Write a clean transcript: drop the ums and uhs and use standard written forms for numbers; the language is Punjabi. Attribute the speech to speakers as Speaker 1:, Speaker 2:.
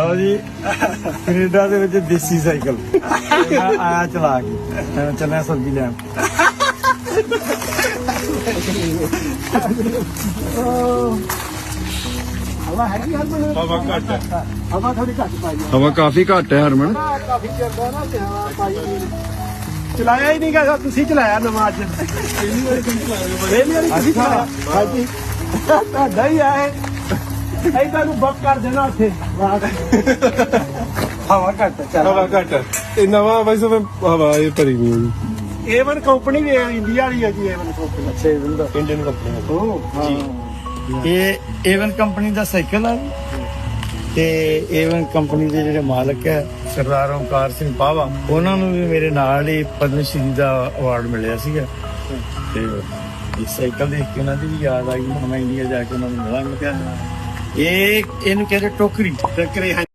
Speaker 1: ਲਓ ਜੀ ਕੈਨੇਡਾ ਦੇ ਵਿੱਚ ਦੇਸੀ ਸਾਈਕਲ ਆਇਆ ਚਲਾ ਕੇ ਚੱਲਿਆ ਸਬਜ਼ੀ ਲੈਣ। ਹਵਾ ਹੈਗੀ ਹਰਮਨ?
Speaker 2: ਹਵਾ ਘੱਟ ਹੈ।
Speaker 1: ਹਵਾ ਥੋੜੀ ਘੱਟ ਪਾਈ ਆ।
Speaker 3: ਹਵਾ ਕਾਫੀ ਘੱਟ ਹੈ ਹਰਮਨ।
Speaker 1: ਕਾਫੀ ਚਿਰ ਨਾ ਤੇ ਹਵਾ ਪਾਈ ਚਲਾਇਆ ਹੀ ਨਹੀਂ ਗਾ। ਤੁਸੀਂ ਚਲਾਇਆ ਨਵਾਂ ਅੱਜ? ਪਹਿਲੀ ਵਾਰੀ ਤੁਸੀਂ ਚਲਾਇਆ? ਹਾਂਜੀ ਤੁਹਾਡਾ ਹੀ ਆਏ ਐਦਾਂ ਨੂੰ ਬੱਕ ਕਰ ਦੇਣਾ ਉੱਥੇ। ਹਵਾ ਘੱਟ ਚੱਲ।
Speaker 2: ਹਵਾ ਘੱਟ ਹੈ। ਇਹ ਨਵਾਂ ਵੈਸੇ ਹਵਾ ਇਹ ਭਰੀ ਨਹੀਂ ਹੋਈ।
Speaker 1: A1 ਕੰਪਨੀ ਵੀ ਇੰਡੀਆ ਵਾਲੀ ਹੈ ਜੀ। A1 company. ਅੱਛਾ A1 ਦਾ
Speaker 2: ਇੰਡੀਅਨ ਕੰਪਨੀ
Speaker 1: ਜੀ। ਇਹ A1 ਕੰਪਨੀ ਦਾ ਸਾਈਕਲ ਆ ਤੇ A1 ਕੰਪਨੀ ਦੇ ਜਿਹੜੇ ਮਾਲਕ ਹੈ ਸਰਦਾਰ ਓਮਕਾਰ ਸਿੰਘ ਪਾਵਾ, ਉਹਨਾਂ ਨੂੰ ਵੀ ਮੇਰੇ ਨਾਲ ਹੀ ਪਦਮ ਸ਼੍ਰੀ ਦਾ ਅਵਾਰਡ ਮਿਲਿਆ ਸੀਗਾ। ਤੇ ਇਸ ਸਾਈਕਲ ਦੇਖ ਕੇ ਉਹਨਾਂ ਦੀ ਵੀ ਯਾਦ ਆਈ। ਮੈਂ ਇੰਡੀਆ ਜਾ ਕੇ ਉਹਨਾਂ ਨੂੰ ਮਿਲਾਂਗਾ। ਇਹਨੂੰ ਕਹਿੰਦੇ ਟੋਕਰੀ।